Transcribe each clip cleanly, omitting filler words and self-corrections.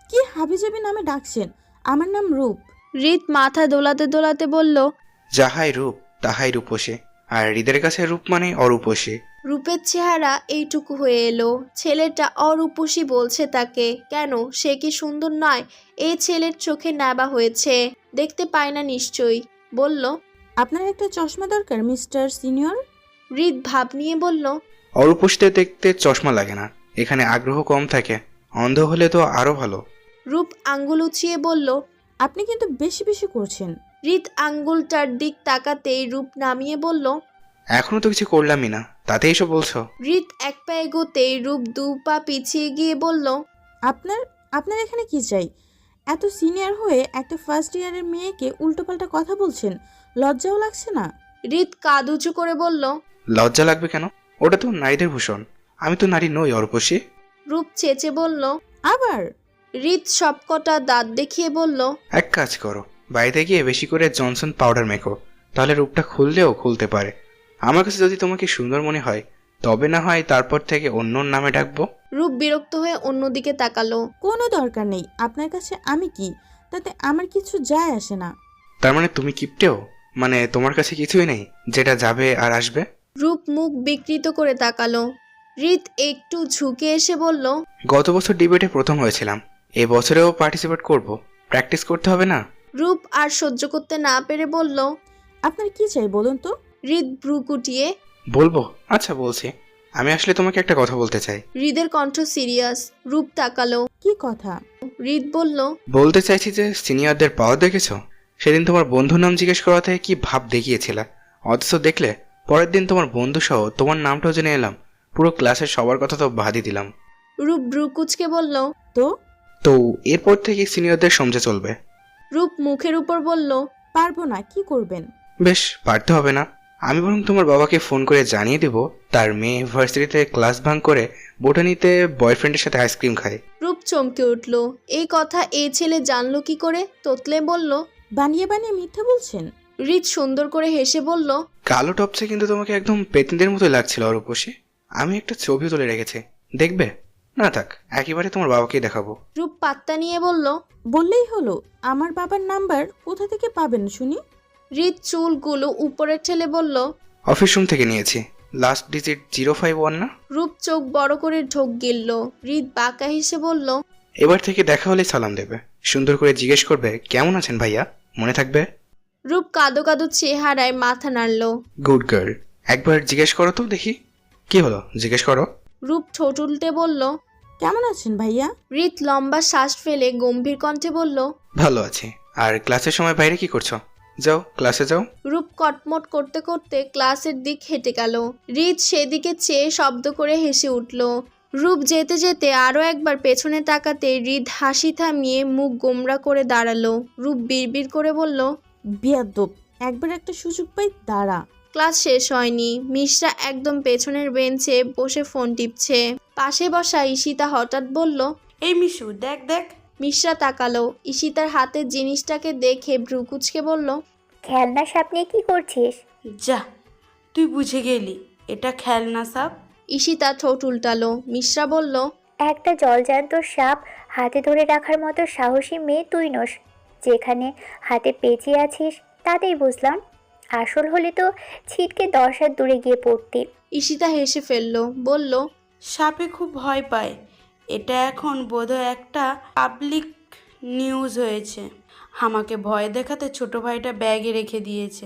কি হাবিজাবি নামে ডাকছেন? আমার নাম রূপ। হৃদ মাথা দোলাতে দোলাতে বলল, যাহাই রূপ তাহাই রূপসী, আর হৃদের কাছে রূপ মানে অরূপসী। রূপের চেহারা এইটুকু হয়ে এলো। ছেলেটা অরূপসী বলছে তাকে কেন? সে কি সুন্দর নয়? এই ছেলের চোখে নেবা হয়েছে, দেখতে পায় না নিশ্চয়ই। বলল, আপনার একটা চশমা দরকার মিস্টার সিনিয়র। হৃদ ভাব নিয়ে বলল, অরূপসীতে দেখতে চশমা লাগে না, এখানে আগ্রহ কম থাকে, অন্ধ হলে তো আরো ভালো। রূপ আঙ্গুল উঁচিয়ে বলল। আপনি কিন্তু বেশি বেশি করছেন। হৃদ আঙ্গুলটার দিক তাকাতেই রূপ নামিয়ে বলল। এখনো তো কিছু করলামই না, তাতে এসব বলছো? হৃদ এক পা এগোতেই রূপ 2 পা পিছিয়ে গিয়ে বলল, আপনার আপনার এখানে কি চাই? এত সিনিয়র হয়ে একটা ফার্স্ট ইয়ারের মেয়েকে উল্টোপাল্টা কথা বলছেন, লজ্জাও লাগছে না? হৃদ কাঁধ উঁচু করে বলল। লজ্জা লাগবে কেন? ওটা তো নারীদের ভূষণ, আমি তো নারী নই অরূপসী। রূপ চেঁচে বলল। আবার হৃদ সবকটা দাঁত দেখিয়ে বলল, এক কাজ করো, বাড়িতে গিয়ে বেশি করে জনসন পাউডার মেখো, তাহলে রূপটা খুললেও খুলতে পারে। আমার কাছে যদি তোমাকে সুন্দর মনে হয় তবে না হয় তারপর থেকে অন্য নামে ডাকবো। রূপ বিরক্ত হয়ে অন্যদিকে তাকালো। কোনো দরকার নেই, আপনার কাছে আমি কি, তাতে আমার কিছু যায় আসে না। তার মানে তুমি কিপটেও? মানে তোমার কাছে কিছুই নেই যেটা যাবে আর আসবে? রূপ মুখ বিকৃত করে তাকালো। হৃদ একটু ঝুঁকে এসে বলল, গত বছর ডিবেটে প্রথম হয়েছিলাম, এবছরেও পার্টিসিপেট করব, প্র্যাকটিস করতে হবে না? রূপ আর সহ্য করতে না পেরে বলল। আপনার কি চাই বলুন তো? হৃদ ভ্রু কুটিয়ে। বলবো? আচ্ছা বলছি, আমি আসলে তোমাকে একটা কথা বলতে চাই। হৃদের কণ্ঠ সিরিয়াস। রূপ তাকালো। কি কথা? হৃদ বলল, বলতে চাইছি যে সিনিয়রদের পাওয়ার দেখেছো? সেদিন তোমার বন্ধুর নাম জিজ্ঞেস করাতে কি ভাব দেখিয়েছিলে, অথচ দেখলে পরের দিন তোমার বন্ধু সহ তোমার নামটাও জেনে এলাম, পুরো ক্লাসের সবার কথা তো বাদই দিলাম। রূপ ভ্রু কুচকে বলল। তো তো এরপর থেকে সিনিয়রদের সমঝে চলবে। রূপ মুখের উপর বলল। পারবো না, কি করবেন? বেশ, পারতে হবে না, আমি বরং তোমার বাবাকে ফোন করে জানিয়ে দেব তার মেয়ে ভার্সিটিতে ক্লাস ভাঙ করে বোটানিতে বয়ফ্রেন্ডের সাথে আইসক্রিম খায়। রূপ চমকে উঠল। এই কথা এই ছেলে জানলো কি করে? তোতলে বলল। বানিয়ে বানিয়ে মিথ্যা বলছেন। হৃদ সুন্দর করে হেসে বলল। কালো টপসে কিন্তু তোমাকে একদম পেতনিদের মতোই লাগছিল অরূপসী। আমি একটা ছবি তুলে রেখেছি, দেখবে? না থাক, একেবারে তোমার বাবাকেই দেখাবো। রূপ পাত্তা নিয়ে বলল। বললেই হলো। আমার বাবার নাম্বার কোথা থেকে পাবেন শুনি? হৃদ চুলগুলো উপরে ঠেলে বলল। অফিস রুম থেকে নিয়েছি, লাস্ট ডিজিট 051 না? রূপ চোখ বড় করে ঢোক গিলল। হৃদ বাঁকা হেসে বলল। এবার থেকে দেখা হলে সালাম দেবে, সুন্দর করে জিজ্ঞেস করবে কেমন আছেন ভাইয়া, মনে থাকবে? রূপ কাদো কাদো চেহারায় মাথা নাড়ল। গুড গার্ল, একবার জিজ্ঞেস করো তো দেখি। কি হলো, জিজ্ঞেস করো। রূপ ঠোঁট উল্টে বলল। কেমন আছেন ভাইয়া? হৃদ লম্বা শ্বাস ফেলে গম্ভীর কণ্ঠে বলল। ভালো আছি। আর ক্লাসের সময় বাইরে কি করছো? যাও ক্লাসে যাও। রূপ কটমট করতে করতে ক্লাসের দিক হেঁটে গেল। হৃদ সেদিকে চেয়ে শব্দ করে হেসে উঠল। রূপ যেতে যেতে আরও একবার পেছনে তাকাতে হৃদ হাসি থামিয়ে মুখ গোমরা করে দাঁড়ালো। রূপ বিড়বিড় করে বলল। বিয়াদ্দব, একবার একটা সুযোগ পাই, দাঁড়া। ক্লাস শেষ হয়নি। মিশরা একদম পেছনের বেঞ্চে বসে ফোন টিপছে। পাশে বসা ঈশিতা হঠাৎ বলল। এই মিশু, দেখ দেখ। মিশরা তাকালো। ঈশিতার হাতের জিনিসটাকে দেখে ভ্রু কুঁচকে বলল। খেলনা সাপ নিয়ে কি করছিস? যা, তুই বুঝে গেলি, এটা খেলনা সাপ। ঈশিতা ঠোঁট উল্টালো। মিশরা বলল। একটা জলজ্যান্ত সাপ হাতে ধরে রাখার মতো সাহসী মেয়ে তুই নস। যেখানে হাতে পেঁচিয়ে আছিস তাতেই বুঝলাম, আসল হলে তো ছিটকে 10 হাত দূরে গিয়ে পড়তি। ঈশিতা হেসে ফেলল। বলল। সাপে খুব ভয় পায়। এটা এখন বোধহয় একটা পাবলিক নিউজ হয়েছে। আমাকে ভয় দেখাতে ছোট ভাইটা ব্যাগে রেখে দিয়েছে।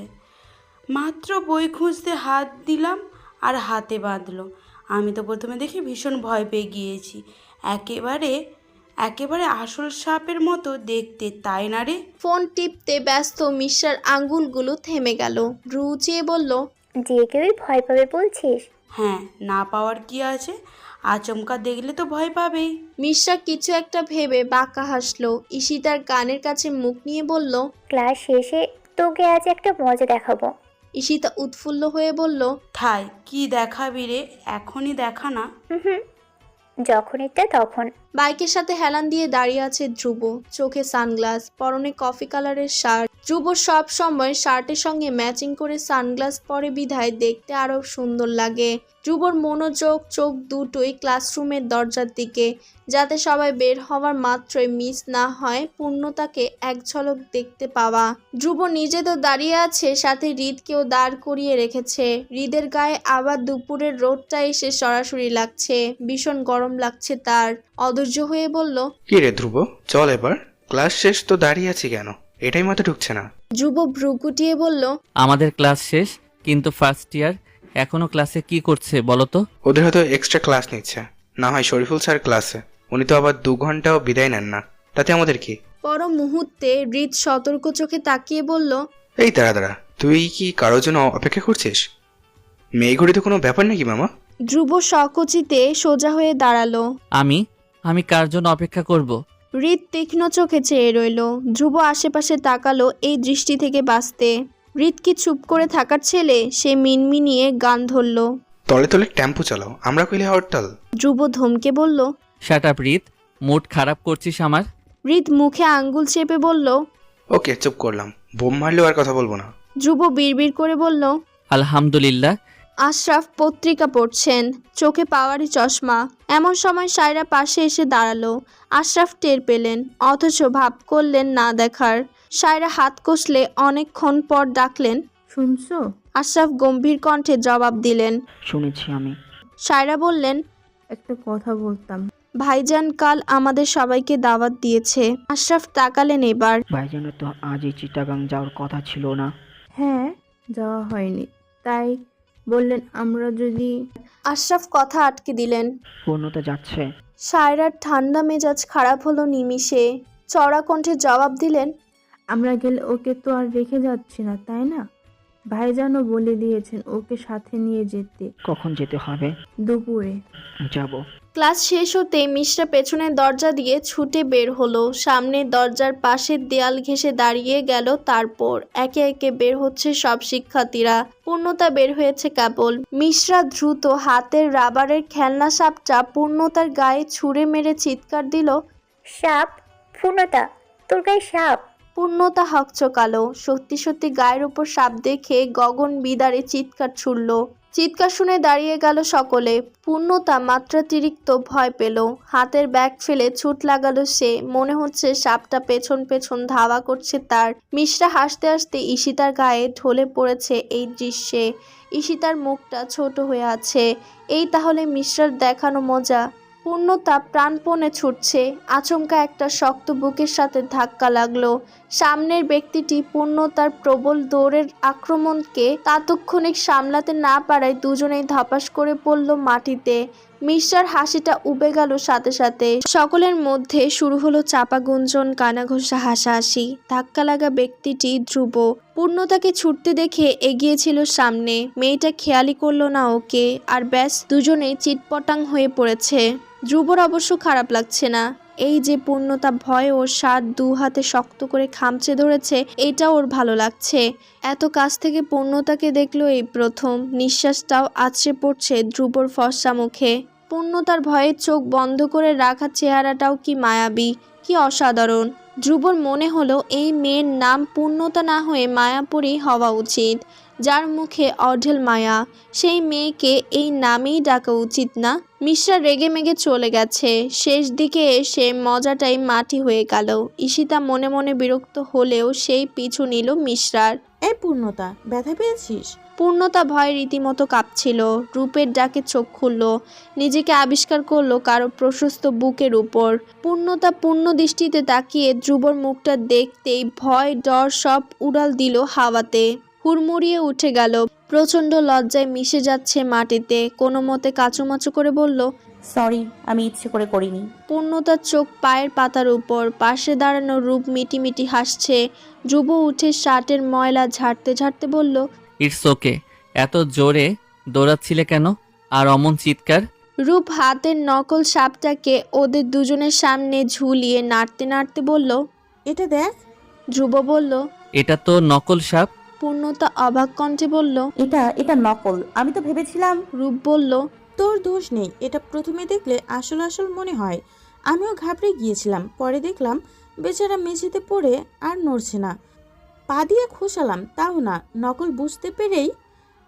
মাত্র বই খুঁজতে হাত দিলাম আর হাতে বাঁধলো। আমি তো প্রথমে দেখে ভীষণ ভয় পেয়ে গিয়েছি। একেবারে একেবারে আসল সাপের মতো দেখতে, তাই না রে? ফোন টিপতে ব্যস্ত মিশরার আঙ্গুলগুলো থেমে গেল। ভ্রু উঁচিয়ে বলল। যে কেউই ভয় পাবে বলছিস? হ্যাঁ, না পাওয়ার কি আছে? আচমকা দেখলে তো ভয় পাবেই। মিশরা কিছু একটা ভেবে বাঁকা হাসলো। ঈশিতার কানের কাছে মুখ নিয়ে বলল। ক্লাস শেষে তোকে আজ একটা মজা দেখাবো। ঈশিতা উৎফুল্ল হয়ে বলল। থাই, কি দেখাবি রে? এখনই দেখা না। হুম, যখন ইচ্ছা তখন। বাইকের সাথে হেলান দিয়ে দাঁড়িয়ে আছে ধ্রুব। চোখে সানগ্লাস, পরনে কফি কালারের শার্ট। ধ্রুব সব সময় শার্টের সঙ্গে ম্যাচিং করে সানগ্লাস পরে বিধায় দেখতে আরো সুন্দর লাগে। ধ্রুবর মনোযোগ চোখ দুটোই ক্লাসরুমের দরজার দিকে, যাতে সবাই বের হওয়ার মাত্রই মিস না হয় পূর্ণতাকে এক ঝলক দেখতে পাওয়া। ধ্রুব নিজে তো দাঁড়িয়ে আছে, সাথে হৃদকেও দাঁড় করিয়ে রেখেছে। হৃদের গায়ে আবার দুপুরের রোদটা এসে সরাসরি লাগছে, ভীষণ গরম লাগছে তার। অধৈর্য হয়ে বলল, কি রে ধ্রুব, চল এবার। ক্লাস শেষ তো দাঁড়িয়ে আছি কেন? এটাই মাথায় ঢুকছে না। ধ্রুব ভ্রু গুটিয়ে বলল, আমাদের ক্লাস শেষ, কিন্তু ফার্স্ট ইয়ার এখনো ক্লাসে কি করছে বলো তো? ওদের হয়তো এক্সট্রা ক্লাস নিচ্ছে, না হয় শরীফুল স্যার ক্লাসে। উনি তো আবার 2 ঘন্টাও বিদায় নেন না, তাতে আমাদের কি? পর মুহূর্তে হৃদ সতর্ক চোখে তাকিয়ে বলল, এই দাঁড়া, তুই কি কারোর জন্য অপেক্ষা করছিস? মেয়ে ঘড়ি তো কোনো ব্যাপার নাকি মামা? ধ্রুব সকচিতে সোজা হয়ে দাঁড়ালো। আমি কার জন্য অপেক্ষা করব? হৃদ তীক্ষ্ণ চোখে চেয়ে রইল। ধ্রুব আশেপাশে তাকালো এই দৃষ্টি থেকে বাঁচতে। হৃদ কি চুপ করে থাকার ছেলে? সে মিনমিনিয়ে গান ধরল। তলে তলে টেম্পো চালাও, আমরা কইলে হরতাল। ধ্রুব ধমকে বলল, শাট আপ হৃদ, মুড খারাপ করছিস আমার। হৃদ মুখে আঙ্গুল চেপে বলল, ওকে চুপ করলাম, বোম মারলেও আর কথা বলবো না। ধ্রুব বিড়বিড় করে বলল, আলহামদুলিল্লাহ। আশরাফ পত্রিকা পড়ছেন, চোখে পাওয়ারি চশমা। এমন সময় সায়রা পাশে এসে দাঁড়ালো। আশরাফ টের পেলেন, অথচ ভাব করলেন না দেখার। সায়রা হাত কষলে অনেকক্ষণ পর ডাকলেন, শুনছো? আশরাফ গম্ভীর কণ্ঠে জবাব দিলেন। শুনেছি আমি। সায়রা বললেন, একটা কথা বলতাম। ভাইজান কাল আমাদের সবাইকে দাওয়াত দিয়েছে। আশরাফ তাকালেন এবার। ভাইজানের তো আজই চিটাগাং যাওয়ার কথা ছিল না? হ্যাঁ, যাওয়া হয়নি, তাই বললেন আমরা যদি। আশরাফ কথা আটকে দিলেন। পূর্ণতা যাচ্ছে? সায়রার ঠান্ডা মেজাজ খারাপ হলো নিমিষে। চড়া কণ্ঠে জবাব দিলেন, আমরা গেলে ওকে তো আর রেখে যাচ্ছি না, তাই না? ভাইজানও বলে দিয়েছেন ওকে সাথে নিয়ে যেতে। কখন যেতে হবে? দুপুরে। যাব। ক্লাস শেষ হতে মিশরা পেছনের দরজা দিয়ে ছুটে বের হলো। সামনের দরজার পাশের দেয়াল ঘেঁষে দাঁড়িয়ে গেল। তারপর একে একে বের হচ্ছে সব শিক্ষার্থীরা। পূর্ণতা বের হয়েছে কেবল। মিশরা দ্রুত হাতের রাবারের খেলনা সাপটা পূর্ণতার গায়ে ছুঁড়ে মেরে চিৎকার দিল, সাপ! পূর্ণতা, তোর গায়ে সাপ! পূর্ণতা হকচকালো। সত্যি সত্যি গায়ের উপর সাপ দেখে গগন বিদারে চিৎকার ছুড়ল। চিৎকার শুনে দাঁড়িয়ে গেল সকলে। পূর্ণতা মাত্রাতিরিক্ত ভয় পেল। হাতের ব্যাগ ফেলে ছুট লাগালো সে। মনে হচ্ছে সাপটা পেছন পেছন ধাওয়া করছে তার। মিশরা হাসতে হাসতে ঈশিতার গায়ে ঢলে পড়েছে এই দৃশ্যে। ঈশিতার মুখটা ছোট হয়ে আছে। এই তাহলে মিশরার দেখানো মজা। পূর্ণতা প্রাণপণে ছুটছে। আচমকা একটা শক্ত বুকের সাথে ধাক্কা লাগলো। সামনের ব্যক্তিটি পূর্ণতার প্রবল দৌড়ের আক্রমণকে তাৎক্ষণিক সামলাতে না পারায় দুজনেই ধপাস করে পড়ল মাটিতে। মিশরার হাসিটা উবে গেল সাথে সাথে। সকলের মধ্যে শুরু হলো চাপা গুঞ্জন, কানাঘোষা, হাসাহাসি। ধাক্কা লাগা ব্যক্তিটি ধ্রুব। পূর্ণতাকে ছুটতে দেখে এগিয়েছিল সামনে। মেয়েটা খেয়ালই করলো না ওকে, আর ব্যাস দুজনেই চিটপটাং হয়ে পড়েছে। ধ্রুবর অবশ্য খারাপ লাগছে না। এই যে পূর্ণতা ভয়ে ওর শার্ট 2 হাতে শক্ত করে খামচে ধরেছে, এটা ওর ভালো লাগছে। এত কাছ থেকে পূর্ণতাকে দেখলো এই প্রথম। নিঃশ্বাসটাও আছড়ে পড়ছে ধ্রুবর ফর্সা মুখে। পূর্ণতার ভয়ে চোখ বন্ধ করে রাখা চেহারাটাও কি মায়াবী, কি অসাধারণ। ধ্রুবর মনে হলো এই মেয়ের নাম পূর্ণতা না হয়ে মায়াপুরী হওয়া উচিত। যার মুখে অঢেল মায়া, সেই মেয়েকে এই নামেই ডাকা উচিত না? মিশরা রেগে মেগে চলে গেছে। শেষ দিকে এসে মজাটাই মাটি হয়ে গেল। ঈশিতা মনে মনে বিরক্ত হলেও সেই পিছু নিল মিশরার। এই পূর্ণতা, ব্যথা পেয়েছিস? পূর্ণতা ভয়ে রীতিমতো কাঁপছিল। রূপের ডাকে চোখ খুলল। নিজেকে আবিষ্কার করলো কারো প্রশস্ত বুকের উপর। পূর্ণতা পূর্ণ দৃষ্টিতে তাকিয়ে ধ্রুবর মুখটা দেখতেই ভয় ডর সব উড়াল দিল হাওয়াতে। হুড়মুড়িয়ে উঠে গেল। প্রচণ্ড লজ্জায় মিশে যাচ্ছে মাটিতে। কোনো মতে কাচুমাচু করে বলল, সরি, আমি ইচ্ছে করে করিনি। পূর্ণতার চোখ পায়ের পাতার উপর। পাশে দাঁড়ানো রূপ মিটিমিটি হাসছে। ধ্রুব উঠে শার্টের ময়লা ঝাড়তে ঝাড়তে বলল, ইটস ওকে। এত জোরে দৌড়াচ্ছিলে কেন? আর অমন চিৎকার? রূপ হাতের নকল সাপটাকে ওদের দুজনের সামনে ঝুলিয়ে নাড়তে নাড়তে বলল, এটা দেখ। ধ্রুব বলল, এটা তো নকল সাপ। পূর্ণতা অবাক কণ্ঠে বলল, এটা নকল। আমি তো ভেবেছিলাম। রূপ বলল, তোর দোষ নেই, এটা প্রথমে দেখলে আসল আসল মনে হয়। আমিও ঘাবড়ে গিয়েছিলাম, পরে দেখলাম বেচারা মেঝেতে পড়ে আর নড়ছে না। পা দিয়ে খোসালাম, তাও না। নকল বুঝতে পেরেই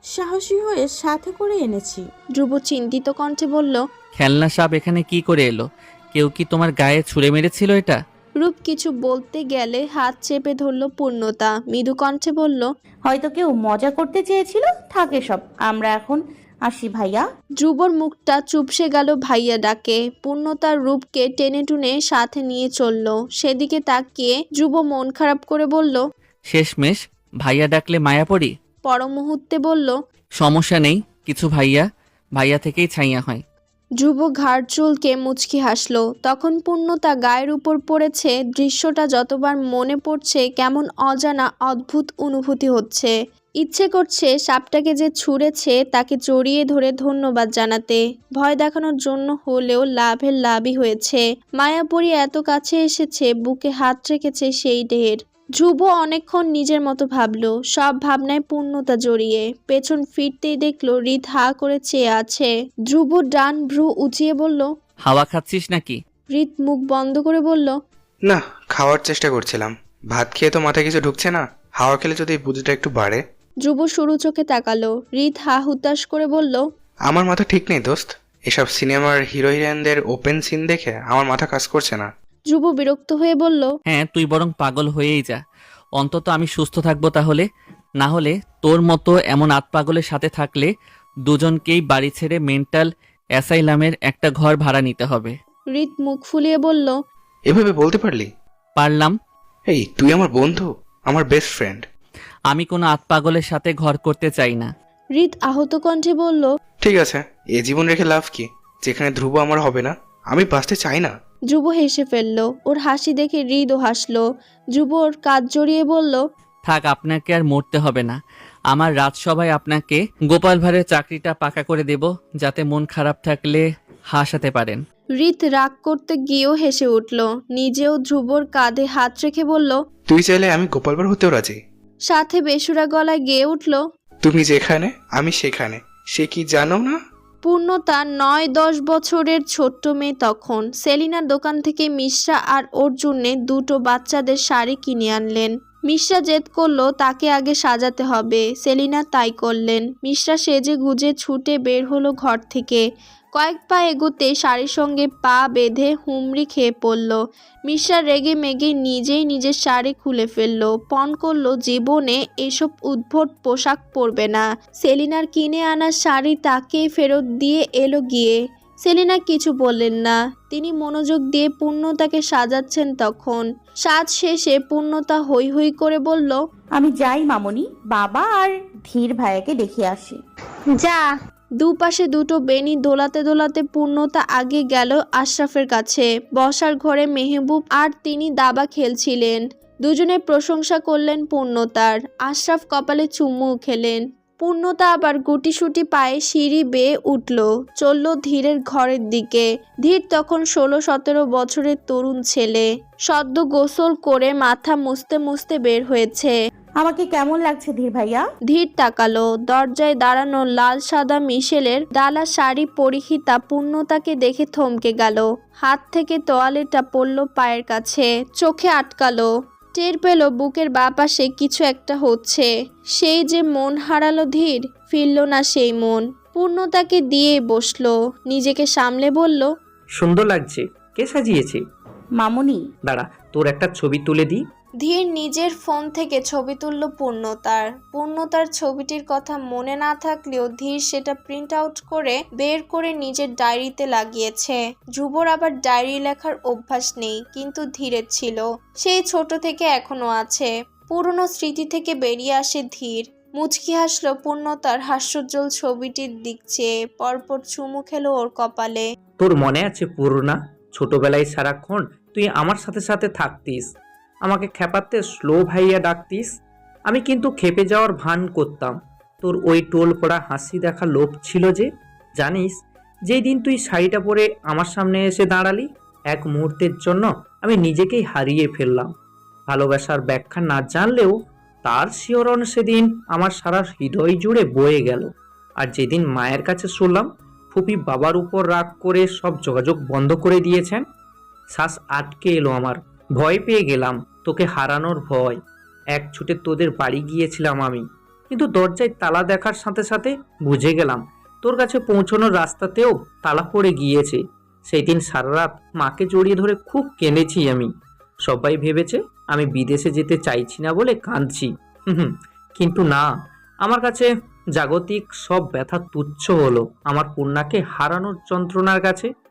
সাহসী হয়ে সাথে করে এনেছি। ধ্রুব চিন্তিত কণ্ঠে বলল। খেলনা সাপ এখানে কি করে এলো? কেউ কি তোমার গায়ে ছুঁড়ে মেরেছিল এটা? রূপ কিছু বলতে গেলে হাত চেপে ধরল পূর্ণতা, মৃদু কণ্ঠে বলল। হয়তো কেউ মজা করতে চেয়েছিল, থাকে সব। আমরা এখন আসি ভাইয়া। ধ্রুবর মুখটা চুপসে গেল ভাইয়া ডাকে। পূর্ণতার রূপকে টেনে টুনে সাথে নিয়ে চলল। সেদিকে তাকিয়ে ধ্রুব মন খারাপ করে বলল। শেষমেশ ভাইয়া ডাকলে মায়া পড়ি। পর মুহূর্তে বলল। সমস্যা নেই কিছু, ভাইয়া ভাইয়া থেকেই ছাইয়া হয়। ধ্রুব ঘাড় চুলকে মুচকি হাসল। তখন পূর্ণতা গায়ের উপর পড়েছে। দৃশ্যটা যতবার মনে পড়ছে কেমন অজানা অদ্ভুত অনুভূতি হচ্ছে। ইচ্ছে করছে সাপটাকে যে ছুঁড়েছে তাকে জড়িয়ে ধরে ধন্যবাদ জানাতে। ভয় দেখানোর জন্য হলেও লাভের লাভই হয়েছে। মায়াপুরী এত কাছে এসেছে, বুকে হাত রেখেছে সেই ঢের। ধ্রুব অনেকক্ষণ নিজের মতো ভাবল, সব ভাবনায় পূর্ণতা জড়িয়ে। পেছন ফিরতেই দেখলো হৃদ হা করে চেয়ে আছে। ধ্রুব ডান ভ্রু উঁচিয়ে বলল। হাওয়া খাচ্ছিস নাকি? হৃদ মুখ বন্ধ করে বলল। না, খাওয়ার চেষ্টা করছিলাম। ভাত খেয়ে তো মাথায় কিছু ঢুকছে না। হাওয়া খেলে যদি বুদ্ধিটা একটু বাড়ে। ধ্রুব সরু চোখে তাকালো। হৃদ হা হুতাশ করে বলল। আমার মাথা ঠিক নেই দোস্ত। এসব সিনেমার হিরো হিরোইনদের ওপেন সিন দেখে আমার মাথা কাজ করছে না। ধ্রুব বিরক্ত হয়ে বলল। হ্যাঁ, তুই বরং পাগল হয়েই যা। অন্তত আমি সুস্থ থাকবো তাহলে। না হলে তোর মতো এমন আতপাগলের সাথে থাকলে দুজনকেই বাড়ি ছেড়ে মেন্টাল অ্যাসাইলামের একটা ঘর ভাড়া নিতে হবে। হৃদ মুখ ফুলিয়ে বলল। এভাবে বলতে পারলি? পারলাম। এই তুই আমার বন্ধু, আমার বেস্ট ফ্রেন্ড। আমি কোনো আতপাগলের সাথে ঘর করতে চাই না। হৃদ আহত কণ্ঠে বলল। ঠিক আছে, এ জীবন রেখে লাভ কি, যেখানে ধ্রুব আমার হবে না? আমি বাঁচতে চাই না। ধ্রুব হেসে ফেলল। ওর হাসি দেখে হৃদও হাসল। ধ্রুব ওর কাঁধ জড়িয়ে বলল। থাক, আপনাকে আর মরতে হবে না। আমার রাজসভায় আপনাকে গোপাল ভাঁড়ের চাকরিটা পাকা করে দেব, যাতে মন খারাপ থাকলে হাসাতে পারেন। হৃদ রাগ করতে গিয়েও হেসে উঠল। নিজেও ধ্রুবর কাঁধে হাত রেখে বলল। তুই চাইলে আমি গোপাল ভাঁড় হতেও রাজি। সাথে বেসুরা গলায় গেয়ে উঠল। তুমি যেখানে আমি সেখানে। সে কি জানো না? পূর্ণতা ৯-১০ বছরের ছোট্ট মেয়ে তখন। সেলিনার দোকান থেকে মিশ্রা আর ওর জন্যে দুটো বাচ্চাদের শাড়ি কিনে আনলেন। মিশ্রা জেদ করলো তাকে আগে সাজাতে হবে। সেলিনা তাই করলেন। মিশ্রা সেজে গুজে ছুটে বের হলো ঘর থেকে। কয়েক পা এগোতে শাড়ির সঙ্গে পা বেঁধে হুমড়ি খেয়ে পড়ল। মিশ্রা রেগে মেগে নিজেই নিজের শাড়ি খুলে ফেললো। পণ করলো জীবনে এসব উদ্ভট পোশাক পরবে না। সেলিনার কিনে আনা শাড়ি তাকে ফেরত দিয়ে এলো গিয়ে। সেলিনা কিছু বললেন না। তিনি মনোযোগ দিয়ে পূর্ণতাকে সাজাচ্ছেন তখন। সাজ শেষে পূর্ণতা হৈ হৈ করে বলল। আমি যাই মামনি, বাবা আর ধীর ভাইয়াকে দেখে আসি। যা। দুপাশে দুটো বেনি দোলাতে দোলাতে পূর্ণতা আগে গেল আশরাফের কাছে। বসার ঘরে মেহবুব আর তিনি দাবা খেলছিলেন। দুজনে প্রশংসা করলেন পূর্ণতার। আশরাফ কপালে চুমু খেলেন। পূর্ণতা আবার গুটিসুটি পায়ে সিঁড়ি বেয়ে উঠল, চলল ধীরের ঘরের দিকে। ধীর তখন 16-17 বছরের তরুণ ছেলে। সদ্য গোসল করে মাথা মুছতে মুছতে বের হয়েছে। আমাকে কেমন লাগছে ধীর ভাইয়া? ধীর তাকালো। দরজায় দাঁড়ানো লাল সাদা মিশেলের ডালা শাড়ি পরিহিতা পূর্ণতাকে দেখে থমকে গেল। হাত থেকে তোয়ালেটা পড়ল পায়ের কাছে, চোখে আটকালো। টের পেল বুকের বাঁ পাশে কিছু একটা হচ্ছে। সেই যে মন হারালো ধীর, ফিরল না সেই মন। পূর্ণতাকে দিয়ে বসলো। নিজেকে সামলে বলল। সুন্দর লাগছে। কে সাজিয়েছে? মামনি। দাঁড়া, তোর একটা ছবি তুলে দিই। ধীর নিজের ফোন থেকে ছবি তুলল পূর্ণতার ছবিটির কথা মনে না থাকলেও ধীর সেটা প্রিন্ট আউট করে বের করে নিজের ডায়েরিতে লাগিয়েছে। ধ্রুবর আবার ডায়েরি লেখার অভ্যাস নেই, কিন্তু ধীরের ছিল। সেই ছোট থেকে এখনো আছে। পুরনো স্মৃতি থেকে বেরিয়ে আসে ধীর। মুচকি হাসলো পূর্ণতার হাস্যোজ্জ্বল ছবিটির দিক চেয়ে। পরপর চুমু খেলো ওর কপালে। তোর মনে আছে পূর্ণা, ছোটবেলায় সারাক্ষণ তুই আমার সাথে সাথে থাকতিস, আমাকে খেপাতে স্লো ভাইয়া ডাকতিস। আমি কিন্তু খেপে যাওয়ার ভান করতাম। তোর ওই টোল পড়া হাসি দেখা লোভ ছিল যে। জানিস, যেই দিন তুই শাড়িটা পরে আমার সামনে এসে দাঁড়ালি, এক মুহূর্তের জন্য আমি নিজেকেই হারিয়ে ফেললাম। ভালোবাসার ব্যাখ্যা না জানলেও তার শিহরণ সেদিন আমার সারা হৃদয় জুড়ে বয়ে গেল। আর যেদিন মায়ের কাছে শুনলাম ফুপি বাবার উপর রাগ করে সব যোগাযোগ বন্ধ করে দিয়েছেন, শ্বাস আটকে এলো আমার। ভয় পেয়ে গেলাম, তোকে হারানোর ভয়। এক ছুটে তোদের বাড়ি গিয়েছিলাম আমি। কিন্তু দরজায় তালা দেখার সাথে সাথে বুঝে গেলাম তোর কাছে পৌঁছানোর রাস্তাতেও তালা পড়ে গিয়েছে। সেই দিন সারা রাত মাকে জড়িয়ে ধরে খুব কেঁদেছি আমি। সবাই ভেবেছে আমি বিদেশে যেতে চাইছি না বলে কাঁদছি। কিন্তু না, আমার কাছে জাগতিক সব ব্যথা তুচ্ছ হলো আমার কন্যাকে হারানোর যন্ত্রণার কাছে।